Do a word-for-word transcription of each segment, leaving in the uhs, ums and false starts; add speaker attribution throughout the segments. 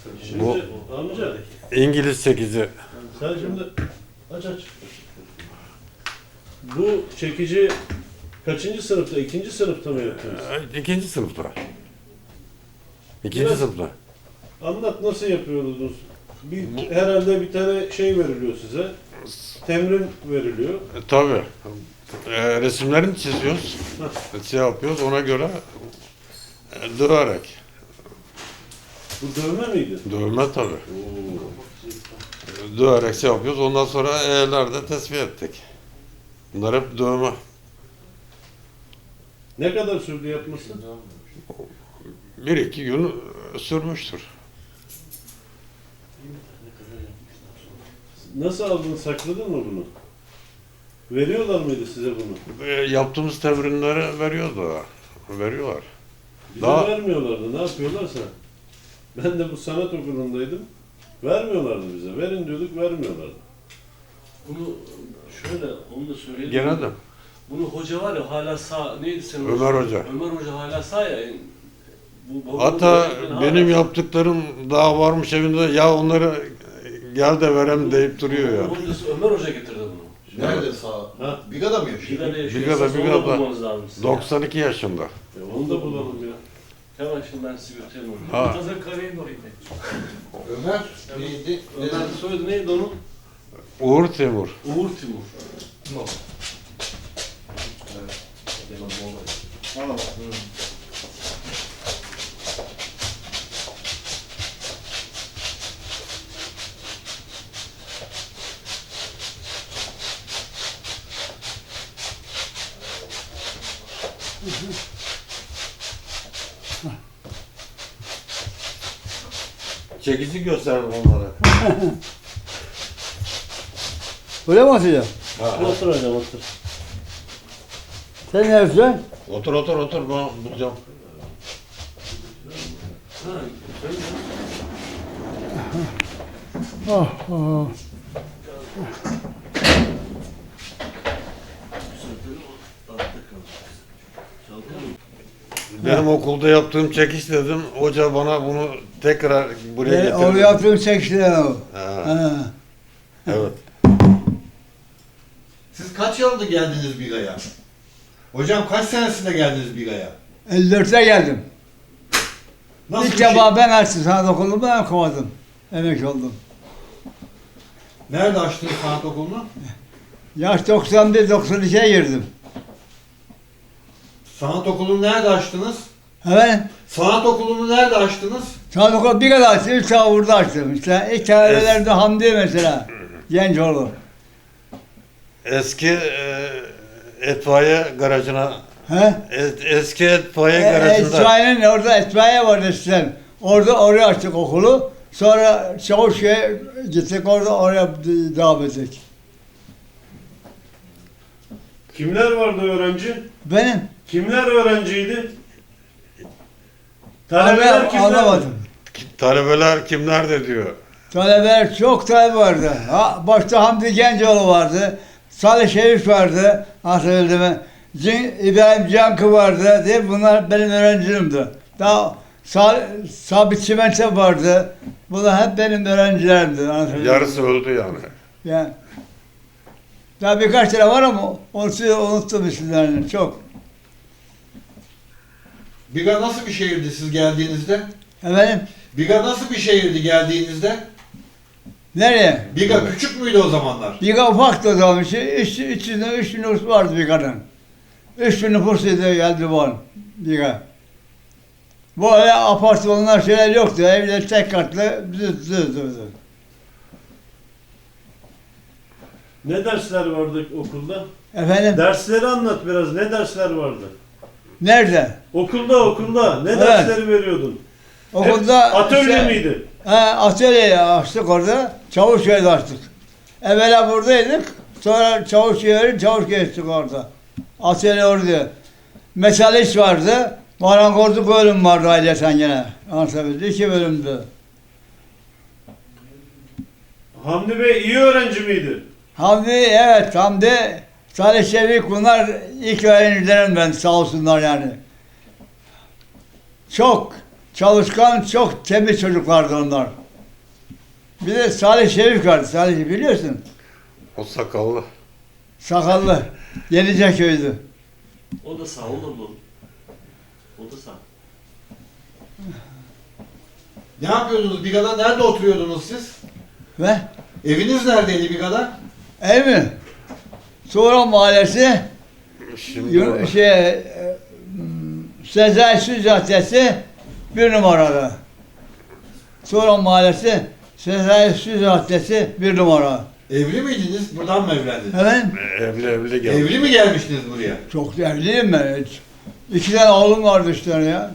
Speaker 1: Şimdi
Speaker 2: Bu
Speaker 1: amca
Speaker 2: İngiliz sekizi.
Speaker 1: sen şimdi aç aç. Bu çekici kaçıncı sınıfta? İkinci sınıfta mı yaptınız?
Speaker 2: Ee, İkinci sınıfta. İkinci
Speaker 1: Biraz-
Speaker 2: sınıfta.
Speaker 1: Anlat nasıl yapıyordunuz? Bir, herhalde bir tane şey veriliyor size. Temrin veriliyor.
Speaker 2: E, tabii. E, resimlerini çiziyoruz. Şey yapıyoruz ona göre e, döverek.
Speaker 1: Bu dövme miydi?
Speaker 2: Dövme tabii.
Speaker 1: Oo.
Speaker 2: E, Döverek şey yapıyoruz. Ondan sonra evlerde tespih ettik. Bunlar hep dövme.
Speaker 1: Ne kadar sürdü yapması?
Speaker 2: Bir iki gün sürmüştür.
Speaker 1: Nasıl aldın? Sakladın mı bunu? Veriyorlar mıydı size bunu?
Speaker 2: E, yaptığımız temrinleri veriyoruz da. Veriyorlar.
Speaker 1: Bize
Speaker 2: Daha-
Speaker 1: vermiyorlardı. Ne yapıyorlarsa. Ben de bu sanat okulundaydım. Vermiyorlardı bize. Verin diyorduk, vermiyorlardı.
Speaker 3: Bunu şöyle, onu da söyleyelim.
Speaker 2: Gene de.
Speaker 3: Bunu hoca var ya hala sağ, neydi senin
Speaker 2: Ömer Hoca.
Speaker 3: Ömer Hoca hala sağ ya. Bu, bu-
Speaker 2: Hatta
Speaker 3: bu-
Speaker 2: benim
Speaker 3: hala-
Speaker 2: yaptıklarım daha varmış evinde, ya onları gel de verem deyip duruyor ya.
Speaker 3: Bu hocası Ömer Hoca getirdi bunu.
Speaker 4: Nerede sağ?
Speaker 1: Ha?
Speaker 4: Biga'da mı yaşıyor?
Speaker 3: Biga'da yaşıyor.
Speaker 2: Biga'da,
Speaker 3: Esas onu
Speaker 2: Biga'da.
Speaker 3: bulmanız lazım size.
Speaker 2: doksan iki yaşında.
Speaker 1: E onu da bulalım ya.
Speaker 3: Hemen şimdi ben size göstereyim onu.
Speaker 2: Ha.
Speaker 3: Hazır Kare'nin orayı.
Speaker 4: Ömer neydi?
Speaker 3: Ömer soyadı neydi onun?
Speaker 2: Uğur Timur.
Speaker 3: Uğur Timur.
Speaker 2: Çekici gösterdim onlara.
Speaker 5: Öyle mi atacağım?
Speaker 1: Otur hocam otur.
Speaker 5: Sen ne yapacaksın?
Speaker 2: Otur otur otur, ben bulacağım.
Speaker 3: Ha, söyle.
Speaker 5: Oh, oh.
Speaker 2: Benim okulda yaptığım çekiş dedim, hoca bana bunu tekrar buraya
Speaker 5: E, o
Speaker 2: getirdi.
Speaker 5: yaptığım seksen o.
Speaker 2: Ha,
Speaker 5: Ha.
Speaker 2: evet.
Speaker 4: Siz kaç yılda geldiniz Biga'ya? Hocam kaç senesinde geldiniz Biga'ya?
Speaker 5: elli dörtte geldim.
Speaker 4: Nasıl
Speaker 5: İlk
Speaker 4: bir şey?
Speaker 5: defa ben açtım sanat okulunu, ben kovadım. Emekli oldum.
Speaker 4: Nerede açtınız sanat okulunu?
Speaker 5: Yaş doksan bir doksan ikiye girdim.
Speaker 4: Sanat okulunu nerede açtınız?
Speaker 5: Evet.
Speaker 4: Sanat okulunu nerede açtınız?
Speaker 5: Sanat okulu bir kadar açtım, üç tane burada açtım. İşte ilk talebelerde Hamdi mesela. Gencoğlu.
Speaker 2: Eski e, etfaiye garajına,
Speaker 5: He?
Speaker 2: es- eski etfaiye
Speaker 5: E,
Speaker 2: garajında.
Speaker 5: Etfaiye'nin orada etfaiye vardı eskiden. Orada oraya açtık okulu. Sonra Çavuşköy'e gittik, orada oraya devam ettik.
Speaker 1: Kimler vardı öğrenci?
Speaker 5: Benim.
Speaker 1: Kimler öğrenciydi? Talebeler
Speaker 5: Anla-
Speaker 1: kimler?
Speaker 5: Anlamadım.
Speaker 2: Talebeler kimler de diyor.
Speaker 5: Talebeler çok talebe vardı. Ha, başta Hamdi Gencoğlu vardı. Salih Şerif vardı. Hatırladım mı? Cin, İbrahim Cankı vardı. Diye bunlar benim öğrencilerimdi. Daha Sal, Sabit Çimento vardı. Bunlar hep benim öğrencilerimdi. Anlatabildim mi?
Speaker 2: Yarısı öldü yani.
Speaker 5: Yani. Daha birkaç tane var ama onu unuttum isimlerini çok.
Speaker 4: Biga nasıl bir şehirdi siz geldiğinizde?
Speaker 5: Efendim?
Speaker 4: Biga nasıl bir şehirdi geldiğinizde?
Speaker 5: Nereye?
Speaker 4: Biga küçük müydü o zamanlar?
Speaker 5: Biga ufaktı o zaman. Üç, üç, üç, yüz, üç bin nüfus vardı Biga'nın. Üç bin nüfusluydu geldi bu an Biga. Bu öyle apartmanlar şeyler yoktu. Evler tek katlı düz düz düz.
Speaker 1: Ne dersler vardı okulda?
Speaker 5: Efendim?
Speaker 1: Dersleri anlat biraz. Ne dersler vardı?
Speaker 5: Nerede?
Speaker 1: Okulda okulda. Ne
Speaker 5: Evet.
Speaker 1: dersleri veriyordun?
Speaker 5: Okulda...
Speaker 1: Hep atölye
Speaker 5: işte-
Speaker 1: miydi?
Speaker 5: He, atölyeyi açtık orada. Çavuşköy'de açtık. Evvela buradaydık. Sonra Çavuşköy'e Çavuşköy'e gittik orada. Atölye orada. Metal iş vardı. Marangozluk bölüm vardı ailesen gene. Anlatabildim. İki bölümdü.
Speaker 1: Hamdi Bey iyi öğrenci miydi?
Speaker 5: Hamdi, evet Hamdi, Salih Şevik bunlar ilk öğrencilerim ben sağ olsunlar yani. Çok, çalışkan, çok temiz çocuklardı onlar. Bir de Salih Şerif vardı. Salih biliyorsun.
Speaker 2: O sakallı.
Speaker 5: Sakallı. Yeniceköy'dü.
Speaker 3: O da sağ olur mu? O da sağ.
Speaker 4: Ne yapıyordunuz Biga'da? Nerede oturuyordunuz siz?
Speaker 5: Ve
Speaker 4: Eviniz neredeydi Biga'da?
Speaker 5: ev mi? Sonra Mahallesi,
Speaker 2: Şimdi
Speaker 5: Yun-
Speaker 2: orada.
Speaker 5: şey, e, m, Sezai Su Caddesi bir numarada. Sonra Mahallesi, Sezai Su Caddesi bir numara.
Speaker 4: Evli miydiniz? Buradan mı evlendiniz?
Speaker 5: Efendim?
Speaker 2: Evli evli geldi.
Speaker 4: Evli mi gelmiştiniz buraya?
Speaker 5: Çok evliyim ben. Hiç. İki tane oğlum vardı işte ya.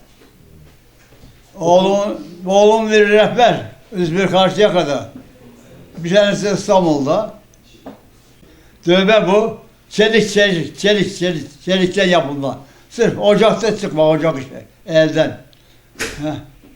Speaker 5: Oğlum, oğlum bir rehber. İzmir Karşıyaka'da. Bir tanesi İstanbul'da. Dövme bu. Çelik, çelik, çelik, çelik, çelikten yapılma. Sırf ocakta çıkma, ocak işte. Elden. Heh.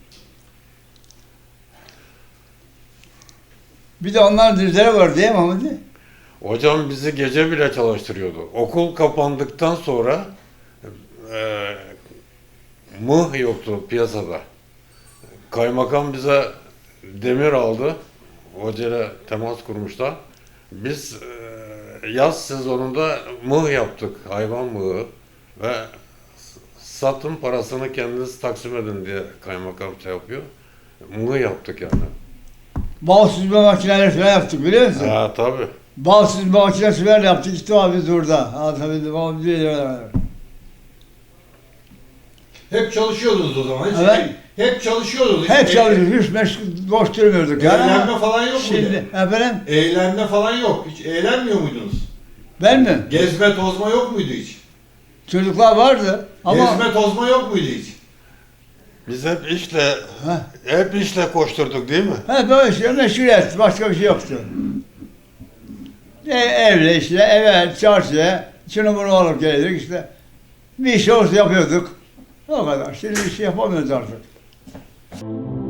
Speaker 5: Bir de onların düzleri var değil mi Hamdi?
Speaker 2: Hocam bizi gece bile çalıştırıyordu. Okul kapandıktan sonra e, mıh yoktu piyasada. Kaymakam bize demir aldı. Hocayla temas kurmuşlar. Biz e, yaz sezonunda mıh yaptık. Hayvan mıhı. Ve satın parasını kendiniz taksim edin diye kaymakam şey yapıyor. Mıh yaptık yani.
Speaker 5: Bal süzme makineleri falan yaptık biliyor musun?
Speaker 2: Ha tabii.
Speaker 5: Bal süzme makinesi falan yaptık işte abi biz orada. Anlatabildim ama bir
Speaker 4: Hep çalışıyordunuz o zaman. Hiç
Speaker 5: Evet.
Speaker 4: Hep çalışıyordunuz.
Speaker 5: Hep
Speaker 4: Hiç
Speaker 5: çalışıyoruz, hiç meşgul, boş durmuyorduk yani.
Speaker 4: Eğlenme falan yok
Speaker 5: Şimdi,
Speaker 4: muydu?
Speaker 5: efendim,
Speaker 4: Eğlenme falan yok. Hiç eğlenmiyor muydunuz?
Speaker 5: ben mi?
Speaker 4: Gezme tozma yok muydu hiç?
Speaker 5: Çocuklar vardı ama...
Speaker 4: Gezme tozma yok muydu hiç?
Speaker 2: Biz hep işle
Speaker 5: Ha,
Speaker 2: hep işle koşturduk değil mi?
Speaker 5: ha böyle şey, meşguliyet, başka bir şey yoktu. E, evle işte, eve, çarşıya, şunu bunu alıp geliyorduk işte. Bir iş olsa yapıyorduk. O kadar, şimdi bir şey yapamıyoruz artık.